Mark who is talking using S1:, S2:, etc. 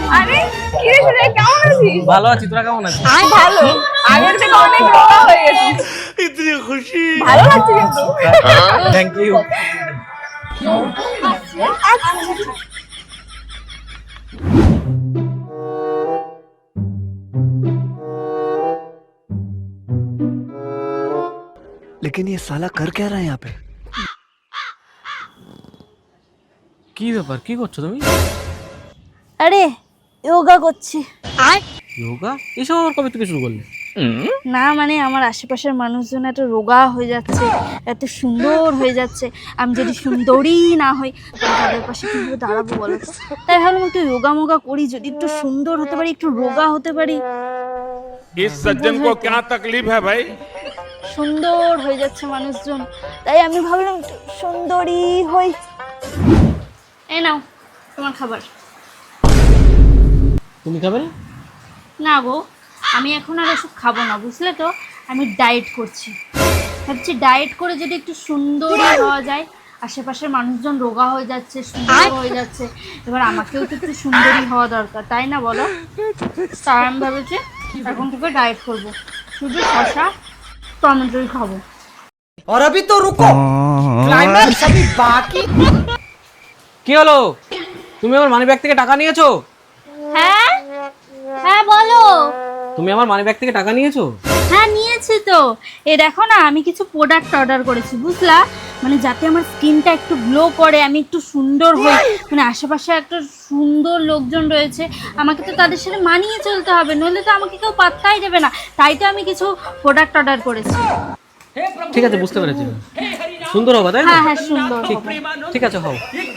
S1: আরে কি রে সুজয়, কেমন আছিস?
S2: ভালো আছি, তোরা কেমন আছিস?
S1: ভালো। আগের থেকে অনেক রোগা হয়ে গেছিস।
S3: इतनी खुशी।
S1: ভালো লাগছে কিন্তু।
S2: Thank you.
S3: लेकिन ये साला कर क्या रहा है यहाँ पे?
S2: কি ব্যাপার, কি করছো তুমি?
S4: আরে যোগা করছি।
S2: যোগা? এসব আবার কবে থেকে শুরু করলে?
S4: না মানে আমার আশেপাশের মানুষজন এত রোগা হয়ে যাচ্ছে, এত সুন্দর হয়ে যাচ্ছে, আমি যদি সুন্দরী না হই তাহলে তাদের পাশে কিভাবে দাঁড়াবো বলো তো? তাই ভাবলাম একটু যোগা মোগা করি, যদি একটু সুন্দর হতে পারি, একটু রোগা হতে পারি।
S5: इस सज्जन को क्या तकलीफ है भाई?
S4: সুন্দর হয়ে যাচ্ছে মানুষজন, তাই আমি ভাবলাম একটু সুন্দরী হই। এই নাও তোমার খাবার।
S2: তুমি খাবে না?
S4: না গো, আমি এখন আর এসব খাবো না, বুঝলে তো? আমি ডায়েট করছি, ভাবছি ডায়েট করে যদি একটু সুন্দরী হওয়া যায়। আশেপাশের মানুষজন রোগা হয়ে যাচ্ছে, সুন্দর হয়ে যাচ্ছে, এবার আমাকেও তো একটু সুন্দরী হওয়া দরকার, তাই না বলো? তাই আমি ভেবেছি এখন থেকে ডায়েট করবো, শুধু শসা টমেটোই খাবো।
S6: और अभी तो रुको, क्लाइमैक्स अभी बाकी।
S2: কি হলো, তুমি আমার মানি ব্যাগ থেকে টাকা নিয়েছো?
S4: হ্যাঁ হ্যাঁ বলো।
S2: তুমি আমার মানি ব্যাগ থেকে টাকা নিয়েছো?
S4: হ্যাঁ নিয়েছি তো। এই দেখো না, আমি কিছু প্রোডাক্ট অর্ডার করেছি, বুঝলা? মানে যাতে আমার স্কিনটা একটু গ্লো করে, আমি একটু সুন্দর হই। মানে আশেপাশে একটা সুন্দর লোকজন রয়েছে, আমাকে তো তাদের সাথে মানিয়ে চলতে হবে, নইলে তো আমাকে কেউ পাত্তাই দেবে না। তাই তো আমি কিছু প্রোডাক্ট অর্ডার করেছি।
S2: ঠিক আছে, বুঝতে পেরেছি। সুন্দর হবে তাই না?
S4: হ্যাঁ হ্যাঁ সুন্দর
S2: ঠিক
S4: হবে।
S2: ঠিক আছে, হও।